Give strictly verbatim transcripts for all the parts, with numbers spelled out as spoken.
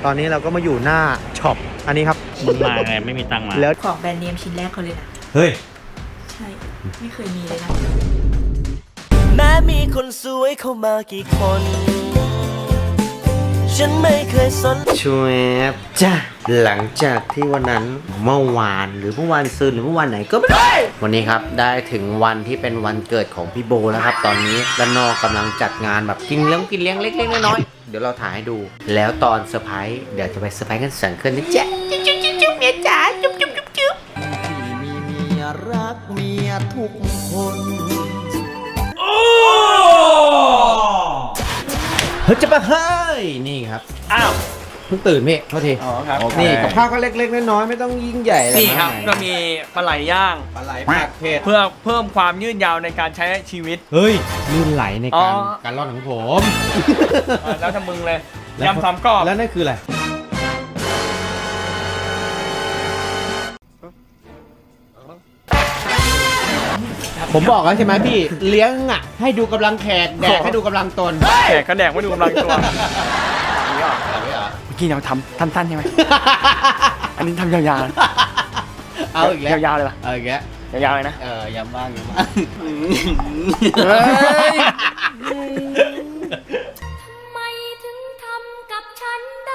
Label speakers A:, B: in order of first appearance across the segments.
A: ตอนนี้เราก็มาอยู่หน้าช็อปอันนี้ครับ
B: มึงมาไงไม่มีตังค์มา
A: แล้ว
C: ของแบรนด์เนมชิ้นแรกเขาเลยนะ
A: เฮ้ย
C: ใช่ ไม่เคยมีเลยนะ
D: แม้มีคนสวยเข้ามากี่คน ฉันไม่เคยสน
A: ช่วยจ้าหลังจากที่วันนั้นเมื่อวานหรือเมื่อวานซืนหรือเมื่อวานไหนก็ไม่รู้วันนี้ครับได้ถึงวันที่เป็นวันเกิดของพี่โบแล้วครับ ตอนนี้ด้านนอกกำลังจัดงานแบบกินเลี้ยงกินเลี้ยงเล็กๆน้อยๆเดี๋ยวเราถ่ายให้ดู แล้วตอนเซอร์ไพรส์เดี๋ยวจะไปเซอร์ไพรส์กันสังคืนนะจ๊ะจุ๊บจุ๊บจุ๊บจุ๊บเมียจ๋าจุ๊บจุ๊บจุ๊บจุ๊บ
D: ที่มีเมียรักเมียทุกคน
A: เฮ้ยจะไปเฮ้ยนี่ครับ
B: อ้าว
A: เพิ่งตื่นพี่โทษที
B: อ๋อครับ
A: นี่กับข้าวก็เล็กๆน้อยๆไม่ต้องยิ่งใหญ่อะไร
E: นี่ครับ
A: มาก
E: ก็
A: มาย
E: มีปลาไหลย่าง
A: ปลาไหลผัดเผ็ด
E: เพื่อเพิ่มความยืดยาวในการใช้ชีวิต
A: เฮ้ยลื่นไหลใน
E: อ๋
A: การ
E: อ
A: การร่อนของผม
E: อ่ะแล้วทำมึงเลย
A: แล้ว
E: ยำสามกรอบ
A: แล้วนั่นคืออะไรผมบอกแล้วใช่ไหมพี่เลี้ยงอ่ะให้ดูกำลังแขกแดกให้ดูกำลังตน
E: แขกกระแดกไม่ดูกำลังตัวนี่เหรอเมื่อกี้เราทำสั้นๆใช่ไหม อันนี้ทำยาวๆนะ
A: เอาอีกแล้ว
E: ยาวๆเลยป่ะ
A: เอาอีกแล้ว
E: ยาวๆเลยนะ
A: เออยำบ้างยำบ้าง
E: เฮ้ย
F: ไม่ถึงทำกับฉันได้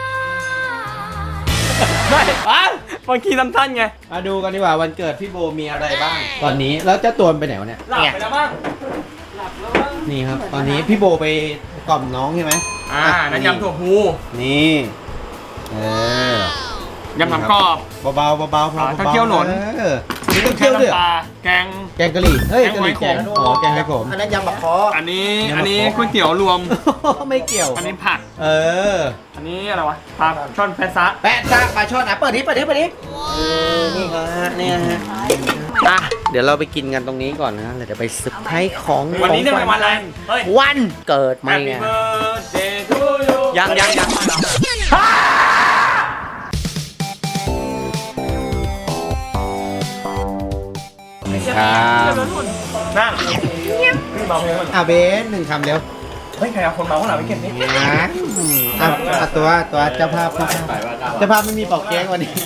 E: ไม่บางทีสั้นๆไง
A: มาดูกันดีกว่าวันเกิดพี่โบมีอะไรบ้าง ตอนนี้แล้วเจ้าตัวมันไปไหนวะเนี่ย
E: หลับไปแล้วบ้างหลับแล้วบ้าง
A: นี่ครับ ตอนนี้พี่โบไปกล่อมน้องใช่ไหม
E: อ่าน้ำยำถั่วพู
A: นี่เออย
E: ำสามกรอบ
A: เบาๆเบาๆพอ
E: อ่า
A: เบาๆ
E: ถ้าเคี่ยวหนน
A: เออนี่ต้องเคี่ยวด้วยเหรอ
E: ปลาแกง
A: แกงกะหรี่เฮ้ย
E: แก
A: กะ
E: ง
A: หรี่
E: ห
A: แก
E: อย
A: ง
E: ขม
A: อ๋อแกงไข่ขม
D: อันนั้นยำบักคอ
E: อันนี้
A: ยำมะ
E: อันนี้
A: กอก
E: ก๋วยเตี๋ยวรวม
A: ไม่เกี่ยว
E: อันนี้ผัก
A: เออ
E: อันนี้อะไรวะปลาช่อนแพะซะ
A: แปะซากปลาช่อนอ่ะเปิดดิเปิดดิเปิดดิเออนี่ครับฮะนี่ฮะอ่ะเดี๋ยวเราไปกินกันตรงนี้ก่อนนะเดี๋ยวจะไปเซอร์ไพรส์ของ
E: วันนี้เนื่องในวันอะไรเฮ้ย
A: วันเกิดไหม
E: Happy
A: ไง
E: birthday to you
A: ยังยังยังครับ
E: นั่งพี่เมาเพลงมัน
A: อ่ะเบนหนึ่งคำเร็ว
E: เฮ้ยใครเอาคนเมาข้างหลังไปเก็บนี่
A: นะอ่ะอ่ะตัวตัวเจ้าภาพเจ้าภาพเจ้าภาพไม่มีปอกเค้กวันนี้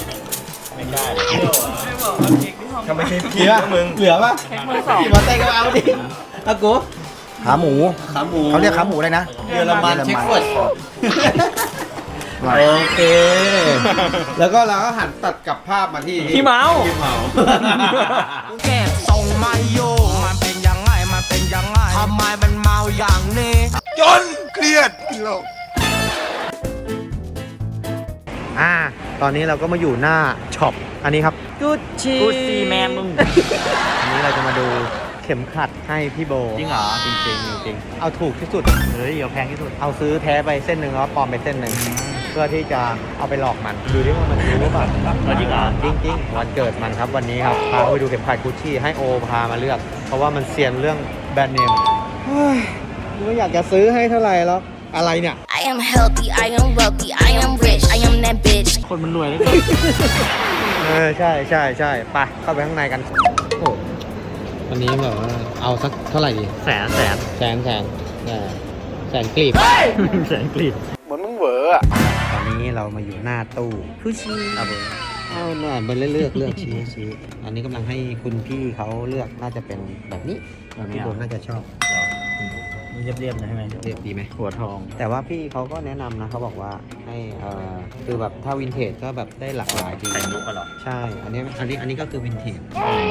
E: ทำไมพี่
A: เหลือมึงเหลือป่ะขี่มอเตอร์ไซค์ก็เอาดิเอากู
G: ขาหมู
A: ขาหมู
G: เขาเรียกขาหมูเลยนะ
A: เยอรมันเช็คเฟิร์ดโอเค แล้วก็เราก็หันตัดกลับภาพมาที่
E: พี่เมา
A: พี่เมา
D: แก้ส่งมาโยมันเป็นยังไงมันเป็นยังไงทำไมมันเมาอย่างนี้
G: จนเครียดโลก
A: อ่า ตอนนี้เราก็มาอยู่หน้าช็อป อันนี้ครับกุชชี่
B: กูซีแมนมึง
A: อันนี้เราจะมาดูเข็มขัดให้พี่โบ
B: จริงเหรอ
A: จริงจริงจริงเอาถูกที่สุด
B: เฮ้ยเอาแพงที่สุด
A: เอาซื้อแท้ไปเส้นหนึ่งแล้วปลอมไปเส้นหนึ่งเพื่อที่จะเอาไปหลอกมันดูที่ว่ามันรู้หรือเปล่า
B: เออจริงเหรอ
A: จริงจริงๆวันเกิดมันครับวันนี้ครับพาไปดูเข็มขัดกุชชี่ให้โอพามาเลือก เพราะว่ามันเซียนเรื่องแบรนด์เนมเฮ้ยไม่อยากจะซื้อให้เท่าไหร่หรอกอะไรเนี่ย
F: I am healthy I am wealthy I am rich I am that bitch
B: คนมันรวยแล้ว
A: เออใช่ใช่ใช่ไปเข้าไปข้างในกันโอ้วันนี้แบบว่าเอาสักเท่าไหร่ดี
B: แสนแสน
A: แสนแสนเออแสนกลีบ
B: แสนกรีด
A: ตอนนี้เรามาอยู่หน้าตู้คุชี่เอาไปเอาหน่อยไปเลือกเลือกเลือกชี้ชี้อันนี้กำลังให้คุณพี่เขาเลือกน่าจะเป็นแบบนี้แบบนี้ผมน่าจะชอบ
B: มันเรียบๆนะใช่ไหม
A: เรียบดีไหม
B: หัวทอง
A: แต่ว่าพี่เขาก็แนะนำนะเขาบอกว่าให้เอ่อคือแบบถ้าวินเทจก็แบบได้หลากหลายดี
B: แต่งลุกกันหรอ
A: ใช่ อันนี้อันนี้อันนี้ก็คือวินเทจ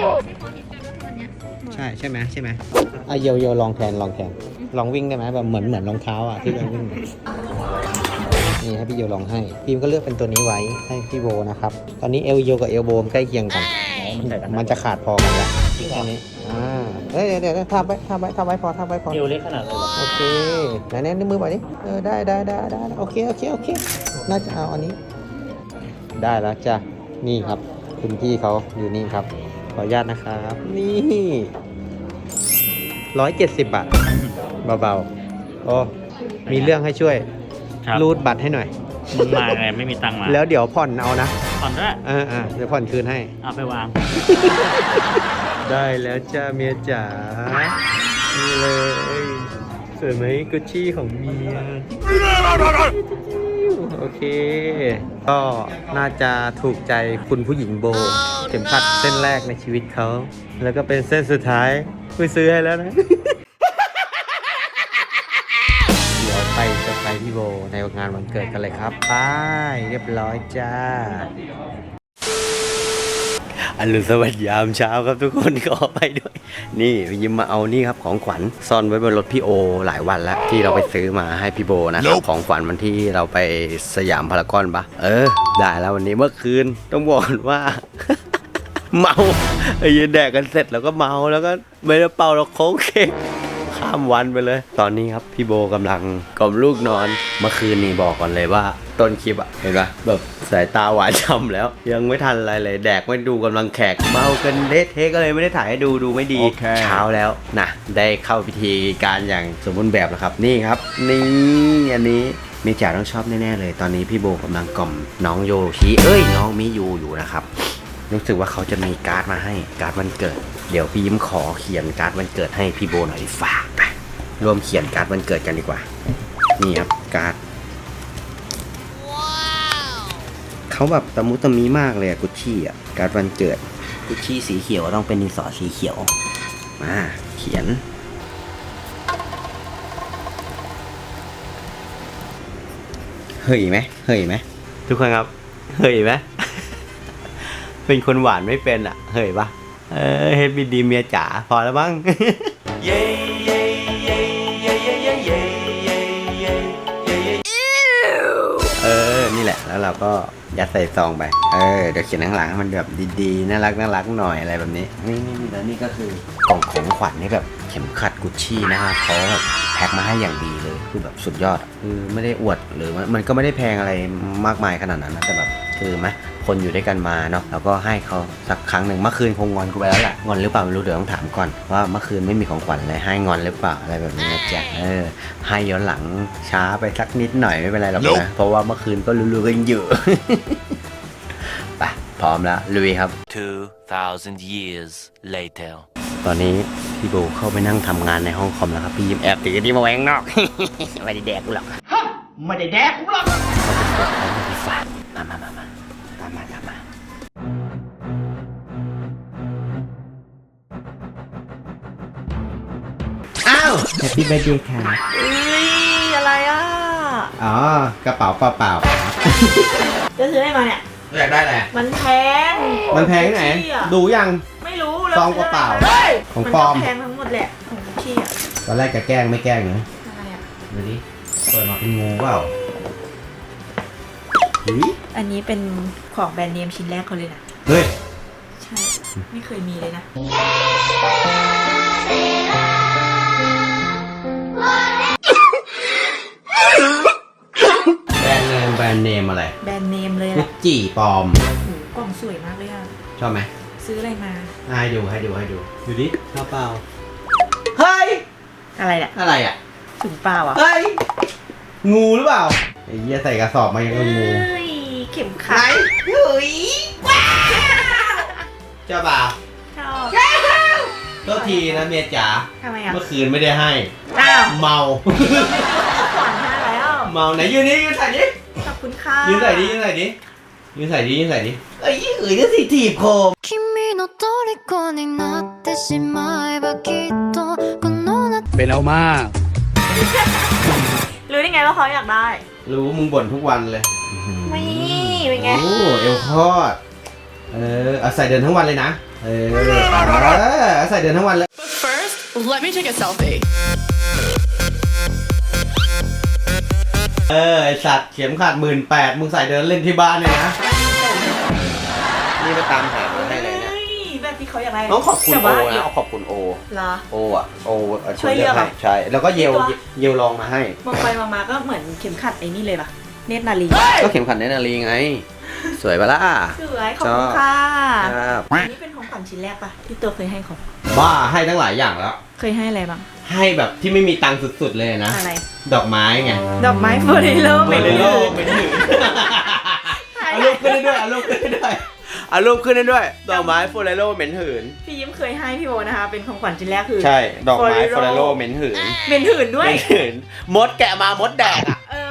A: ใช่ใช่ไหมใช่ไหมอ่ะโยโยลองแทนลองแทนลองวิ่งได้ไหมแบบเหมือนเหมือนรองเท้าอ่ะที่เราวิ่งนี่ให้พี่โยลองให้พิมก็เลือกเป็นตัวนี้ไว้ให้พี่โบนะครับตอนนี้เอลโยกับเอลโบมใกล้เคียงกัน
B: มันใส่กัน
A: มันจะขาดพอกันแล้วแค่นี้อ่าเดี๋ยวเดี๋ยวเดี๋ยวทำไว้ทำไว้ทำไว้พอทำไว้พอ
B: เอวเล็กขนาดเลยเหรอ
A: โอเคไหนแน่นิ้วมือไปดิเออได้ได้ได้ได้โอเคโอเคโอเคน่าจะเอาอันนี้ ได้แล้วจ้ะนี่ครับ คุณพี่เขาอยู่นี่ครับ ขออนุญาตนะครับนี่ร้อยเจ็ดสิบบาทเบาๆโอ้มีเรื่องให้ช่วย
B: ครับ
A: รูดบัตรให้หน่อย
B: มึงมาไงไม่มีตังค์มา
A: แล้วเดี๋ยวผ่อนเอานะ
B: ผ่อนด้วย
A: เออเออเดี๋ยวผ่อนคืนให้
B: เอาไปวาง
A: ได้แล้วจ้าเมียจ๋านี่เลยสวยไหมกุชชี่ของเมียโโอเค ก็น่าจะถูกใจคุณผู้หญิงโบ เข็มขัดเส้นแรกในชีวิตเขา แล้วก็เป็นเส้นสุดท้ายคุยซื้อให้แล้วนะ เดี๋ยวไปเซอร์ไพรส์พี่โบในงานวันเกิดกันเลยครับไปเรียบร้อยจ้าอรุณสวัสดิ์ยามเช้าครับทุกคนขอไปด้วย นี่ยิ้มมาเอานี่ครับของขวัญซ่อนไว้บนรถพี่โอหลายวันแล้วที่เราไปซื้อมาให้พี่โบนะครับของขวัญวันที่เราไปสยามพารากอนปะเออได้แล้ววันนี้เมื่อคืนต้องบอกว่า เมาไอ้ยันแดกกันเสร็จแล้วก็เมาแล้วก็ไม่ได้เป่าเราโค้งเค้กข้ามวันไปเลย ตอนนี้ครับพี่โบกำลังกล่อมลูกนอนเมื่อคืนนี้บอกก่อนเลยว่าต้นคลิปอะเห็นปะแบบสายตาหวานฉ่ำแล้ว ยังไม่ทันอะไรเลยแดกไม่ดูกำลังแขกเมากันเละเทะก็เลยไม่ได้ถ่ายให้ดูดูไม่ดี
E: โอเค
A: เช้าแล้วนะได้เข้าพิธีการอย่างสมบูรณ์แบบแล้วครับนี่ครับนี่อันนี้เมจ่าต้องชอบแน่ๆเลยตอนนี้พี่โบกำลังกล่อมน้องโยชิเอ้ยน้องมิยูอยู่นะครับรู้สึกว่าเขาจะมีการ์ดมาให้การ์ดวันเกิดเดี๋ยวพี่ยิ้มขอเขียนการ์ดวันเกิดให้พี่โบหน่อยฝากไปรวมเขียนการ์ดวันเกิดกันดีกว่านี่ครับการ์ดเขาแบบตะมุตะมีมากเลยอะกุชชี่อะการ์ดวันเกิดกุชชี่สีเขียวต้องเป็นดินสอสีเขียวมาเขียนเฮ้ยไหมเฮ้ยไหมทุกคนครับเฮ้ยไหม เป็นคนหวานไม่เป็นอ่ะเฮ้ยปะเออเฮดบีดีเมียจ๋าพอแล้วบ้าง เออนี่แหละแล้วเราก็ยัดใส่ซองไปเออเดี๋ยวเขียนข้างหลังให้มันแบบดีๆน่ารักน่ารักหน่อยอะไรแบบนี้นี่นี่แล้วนี่ก็คือกล่องของขวัญนี่แบบเข็มขัดกุชชี่นะครับเขาแบบแพ็คมาให้อย่างดีเลยคือแบบสุดยอดคือไม่ได้อวดหรือมันก็ไม่ได้แพงอะไรมากมายขนาดนั้นนะแต่แบบคือไหมคนอยู่ด้วยกันมาเนาะแล้วก็ให้เขาสักครั้งหนึ่งเมื่อคืนคงงอนกูไปแล้วแหละงอนหรือเปล่าไม่รู้เดี๋ยวต้องถามก่อนว่าเมื่อคืนไม่มีของขวัญเลยให้งอนหรือเปล่าอะไรแบบนี้นะจ๊ะเออให้ย้อนหลังช้าไปสักนิดหน่อยไม่เป็นไรหรอกนะเพราะว่าเมื่อคืนก็รู้ๆกันอยู่ ไปพร้อมแล้วลุยครับ
D: two thousand years later
A: ตอนนี้พี่โบเข้าไปนั่งทำงานในห้องคอมแล้วครับพี่ยิ้มแอบตีที่มาแหวงนอก ไม่ได้แดกกูหรอกไม่ได้แดกกูหรอกเขาจะกดเขาไม่ได้ฝากมามามามาตามมาตามมาอ้าวแฮปปี้เบิร์ดเดย์ค่ะ
C: เอ้ยอะไรอ่ะ
A: อ๋อกระเป๋าเปล่า
C: จะซื้ออะไรมาเนี่ย
A: ๆอยากได้อะไร
C: มันแพง
A: มันแพงที่ไหน
C: กุชชี่อะ
A: ดูยัง
C: ไม่รู้แล้ว
A: ซองเปล่าๆ
C: เฮ้ย
A: ของ
C: มัน
A: ปล
C: ก็
A: อม
C: แพงทั้งหมดแหละของกุชชี่อ่ะ
A: ตอนแรกจะแกล้งไม่แกล้งนะ
C: อะไรอ่ะ
A: ดูดิเปิดมาเป็นงูเปล่าเฮ้ย
C: อันนี้เป็นของแบรนด์เนมชิ้นแรกเขาเลยนะ
A: เฮ้ย
C: ใช่ ไม่เคยมีเลยนะ
A: แบรนด์เนมแบรนด์เนมอะไร
C: แบรนด์เนมเลย
A: กุ
C: อะ
A: ชจี้ปลอม
C: โอ้โหกล่องสวยมากเลยอ่ะ
A: ชอบไหม
C: ซื้ออะไรมา
A: ให้ดูให้ดูให้ดูดูดิชอบเปล่าเฮ้ย
C: อะไรเนี่ย
A: อะไรอ่ะ
C: ถุงเปล่าอ่ะ
A: เฮ้ยงูหรือเปล่าไอ้เหี้ยใส่กระสอบมายังกับงู
C: เฮ้ยเข็ม
A: ไหน
C: ขัด
A: เฮ้ยเจ้าบ่าว
C: ชอบ
A: โทษทีนะเมียจ๋า
C: ทำไมอ่ะ
A: เมื่อคืนไม่ได้ให้
C: อ้าว
A: เมา
C: ขวัญให้แล้ว
A: เมาไหนยืนนี่ยืนใส่ดิ
C: ขอบคุณค่ะ
A: ยืนใส่ดิยืนใส่ดิยืนใส่ดิยืนใส่ดิเอ้ยเอ้ยก็สิถีบโคม
F: 君の虜になってしまえばきっとこの夏
E: เป็นเอามาก
C: รู้ได้ไงว่าเขาอยากได้
A: รู้มึงบ่นทุกวันเลย
C: ไม่เป็นไง
A: โอ้เอวคอดเออเอาใส่เดินทั้งวันเลยนะเออเออเอาใส่เดินทั้งวันเลย
H: First, let me take a selfie.
A: เออไอสัตว์เข็มขัดหมื่นแปดมึงใส่เดินเล่นที่บ้านเลยนะนี่ไปตามหามาให้เลยเนี่ย
C: เฮ้ยแบบที่เขาอยากได้
A: ต้องขอบคุณ
C: แต่
A: โอ
C: ว่า
A: นะเอาขอบคุณโอ
C: เหรอ
A: โออ่ะโออ่ะ
C: ช่วยเลือก
A: ให้
C: อ่ะ
A: ใช่แล้วก็เยล
C: ตัว
A: เยลลองมาให้
C: มองไปมองมาก็เหมือนเข็มขัดไอ้นี่เลยป่ะ เนตรนาลี
A: ก็เข็มขัดเนตรนารีไง สวยปะล่ะ
C: สวยขอบคุณค่ะ
A: ครับ
C: อันนี้เป็นของขวัญชิ้นแรกป่ะที่ตัวเคยให้เขา
A: บ้าให้ทั้งหลายอย่างแล้ว
C: เคยให้อะไรบ้าง
A: ให้แบบที่ไม่มีตังค์สุดๆเลยนะ
C: อะไร
A: ดอกไม้ไง
C: ดอกไม้โฟเรโล
A: เม
C: เป็น
A: ล
C: หื
A: โล
C: น
A: เป็นหืนเอารูปขึ้นได้ด้วยเอารูปขึ้นได้ด้วยเอารูปขึ้นได้ด้วย ดอกไม้โฟเรโลเหม็นหืน
C: พี่ยิ้มเคยให้พี่โบนะคะ เป็นของขวัญชิ้นแรกคือ
A: ใช่ ดอกไม้โฟ
C: Forello
A: เรโลเหม็นหืน
C: เป็นหืนด้วย
A: เหม็นหืน มดแกะมามดแดกอ่ะ
C: เออแบ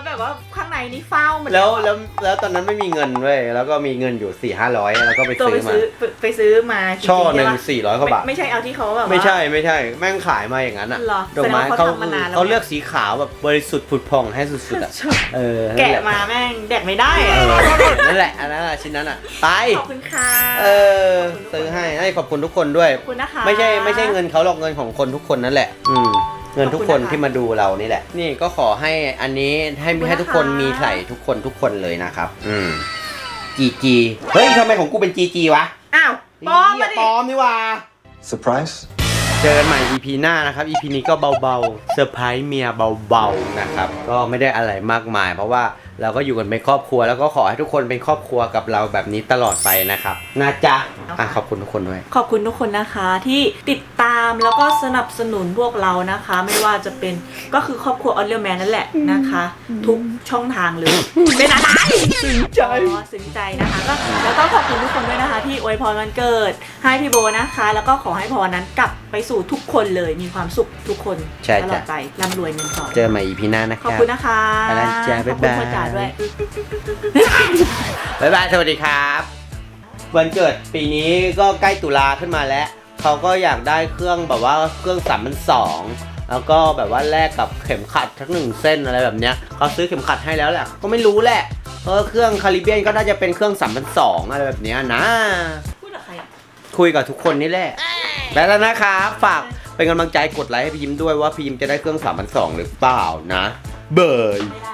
C: แบบว่าข้างในนี่เฝ้าหมด
A: แล้ว
C: อะ
A: แล้วแล้วตอนนั้นไม่มีเงินเว้ยแล้วก็มีเงินอยู่สี่ห้าร้อยแล้วก็ไป
C: ตัว
A: ซื้
C: ไป
A: อมา
C: ซื้อไปไปซื้อมาจริๆ
A: ช่อหนึ่ง
C: ใปะ
A: สี่ร้อยกว่าบาท
C: ไม่ไม่ใช่เอาที่เขาแบบว่า
A: ไม่ใช่ไม่ใช่แม่งขายมาอย่างนั้นอ่ะ
C: เหรอ
A: ดอกไม้
C: แสดงว่า
A: เขา
C: เขาทำมานานแล้ว
A: เขาเลือกสีขาวแบบบริสุทธิ์ผุดผ่องให้สุดๆอ่ะเออ
C: แกะมาแม่งแดกไม่ได้
A: เอ
C: อะ
A: อนั่นแหละอันนั้นอะชิ้นนั้นอ่ะไป
C: ขอบคุณค่ะ
A: เออซื้อให้ให้ขอบคุณทุกคนด้วย
C: ขอบคุณนะคะ
A: ไม่ใช่ไม่ใช่เงินเขาหรอกเงินของคนทุกคนนั่นแหละ อืมเงินทุกคน
C: ขอบคุณนะคะ
A: ที่มาดูเรานี่แหละ นี่ก็ขอให้อันนี้ให้
C: ขอบคุณ
A: ให้ทุกคน
C: นะคะ
A: มีใส่ทุกคนทุกคนเลยนะครับ อืมจีจีเฮ้ยทำไมของกูเป็นจีจีวะ
C: อ้าวปลอมมา
A: เหี้ย
C: ดิ
A: ปลอมนี่หว่า
G: Surprise
A: เจอกันใหม่ อี พี หน้านะครับ อี พี นี้ก็เบาๆเซอร์ไพรส์เมียเบาๆนะครับก็ไม่ได้อะไรมากมาย เพราะว่าเราก็อยู่กันเป็นครอบครัวแล้วก็ขอให้ทุกคนเป็นครอบครัวกับเราแบบนี้ตลอดไปนะครับนะจ๊ะอ่ะขอบคุณทุกคนด้วย
C: ขอบคุณทุกคนนะคะที่ติดตามแล้วก็สนับสนุนพวกเรานะคะ ไม่ว่าจะเป็นก็คือครอบครัวออเรียลแมนนั่นแหละนะคะ ทุกช่องทางเลย เป็นอะไรซึ้งใจอ๋อซึ้งใจนะคะก็แล้วก็ขอบคุณทุกคนด้วยนะคะ ที่อวยพรวันเกิดให้พี่โบนะคะ แล้วก็ขอให้พรนั้นกลับไปสู่ทุกคนเลยมีความสุขทุกคน
A: ใช่
C: ตลอ
A: จ้ะ
C: ดไปร่ำรวยเงินทอง
A: เจอกันใหม่ อี พี หน้านะค
C: ขอบ
A: รับ
C: คุณนะคะ
A: ไปแล้วจ้ะบ๊ายบาย
C: ขอบคุณพ่อจ๋าด้วย
A: บ๊ายบายสวัสดีครับ วันเกิดปีนี้ก็ใกล้ตุลาขึ้นมาแล้วเขาก็อยากได้เครื่องแบบว่าเครื่องสามพันสองแล้วก็แบบว่าแลกกับเข็มขัดทั้งหนึ่งเส้นอะไรแบบเนี้ยเขาซื้อเข็มขัดให้แล้วแหละก็ไม่รู้แหละเพราะเครื่องคาริเบียนก็น่าจะเป็นเครื่องสามพันสองอะไรแบบเนี้ยนะ
C: พูดกับใครอะ
A: คุยกับทุกคนนี่แหละแล้วนะครับฝากเป็นกำลังใจกดไลค์ให้พี่ยิ้มด้วยว่าพี่ยิ้มจะได้เครื่องสามพันสองหรือเปล่านะ เบย